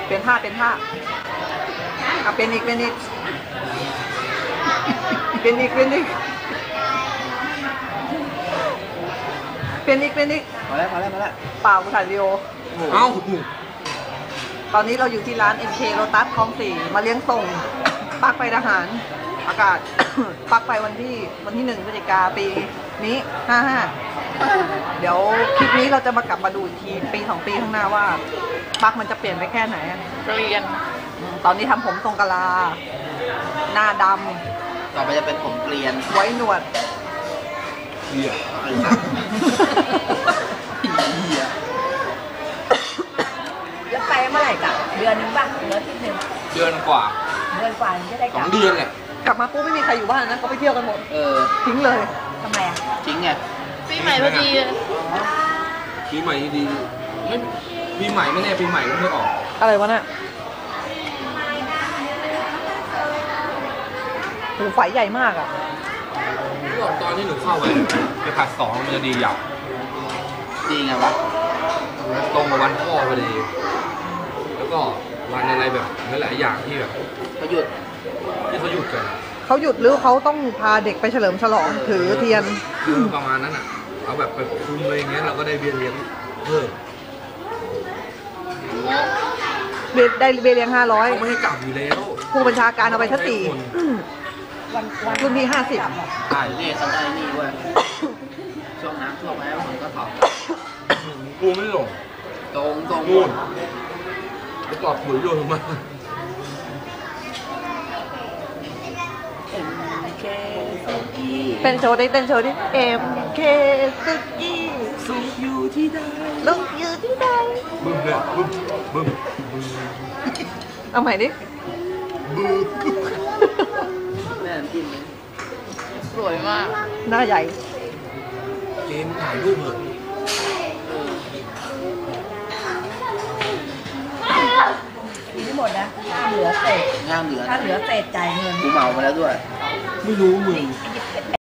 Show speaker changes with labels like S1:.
S1: เปลี่ยนท่าเป็นอีกเป็นอีกเป็นอีก
S2: มาแล้ว
S1: เปล่ากูถ่ายวิดีโอ
S3: เอ้า
S1: ตอนนี้เราอยู่ที่ร้าน MK Lotus คลอง4มาเลี้ยงส่งปลั๊กไฟทหารอากาศ ปลั๊กไฟวันที่1 พฤศจิกาปีนี้55เดี๋ยวคลิปนี้เราจะมากลับมาดูอีกทีปี2 ปีข้างหน้าว่าปลั๊กมันจะเปลี่ยนไปแค่ไหน
S4: เรียน
S1: ตอนนี้ทำผมทรงกะลา หน้าด
S2: ต่อไปจะเป็นผมเกลียน
S1: ำไว้หนวด
S3: เหี้ย
S4: แล้วไปเมื่อไหร่กลับเดือนนึงป่ะหรืออาทิตย์นึง
S3: เดือนกว่า
S4: เดือนกว่าจะได้กลับ
S3: 2 เดือนแหละ
S1: กลับมาปุ๊บไม่มีใครอยู่บ้านนะเขาไปเที่ยวกันหมด ทิ้งเลย
S4: ทำไมอ่ะ
S2: จริงไง
S4: ปีใหม่พอดีเลย
S3: ปีใหม่ดีไม่ปีใหม่ไม่แน่ปีใหม่ก็ไม่ออก
S1: อะไรวะน่ะโหไฟใหญ่มากอ่ะ
S3: ก็ตอนที่หนูเข้าไปผัด2มันจะดีอย่าง
S2: ดีไงวะ
S3: ตรงกับวันพ่อพอดีแล้วก็วันอะไรแบบหลายๆอย่างที่แบบ
S2: ก็หยุด
S3: ที่เขาหยุดกัน
S1: เขาหยุดหรือเขาต้องพาเด็กไปเฉลิมฉลองถือเทียน
S3: คือประมาณนั้นอ่ะเอาแบบไปคุมอะไรอย่างเงี้ยเราก็ได้เบี้ยเลี้ยงเพิ่ม
S1: ได้เบเลียง
S3: เขาไม่ให้กลับอยู่แล้ว
S1: 500ผู้บัญชาการเอาไปทัศสี่
S4: วัน
S1: รุ่นพี่
S3: ใช่
S2: นี่เขาได้นี่เว้ยช่วงน้ำท่วมแล้วผมก็ถอด
S3: กูไม่หลง
S2: ตรง
S3: นู่นไปจอดปุ๋ยโยนลงมา
S2: เคสุกี้
S1: 50เต้นโชว์ดิ MK สุกี้
S2: สุกอยู่ที่ใด
S1: ลูกอยู่ที่ใด
S3: บึ้มเลยบึ้มบึ้ม
S1: เอาใหม่ดิ
S2: แม่จิ้มเลย
S4: สวยมาก
S1: หน้าใหญ่
S3: เกมถ่ายรูปเหอะ
S4: มีทั้งหมดนะห้ามเหลือเศษ
S2: ห้ามเหลือ
S4: ถ้าเหลือเศษจ่ายเงิน
S2: กูเมามาแล้วด้วย
S3: ไม่รู้มึง
S4: เย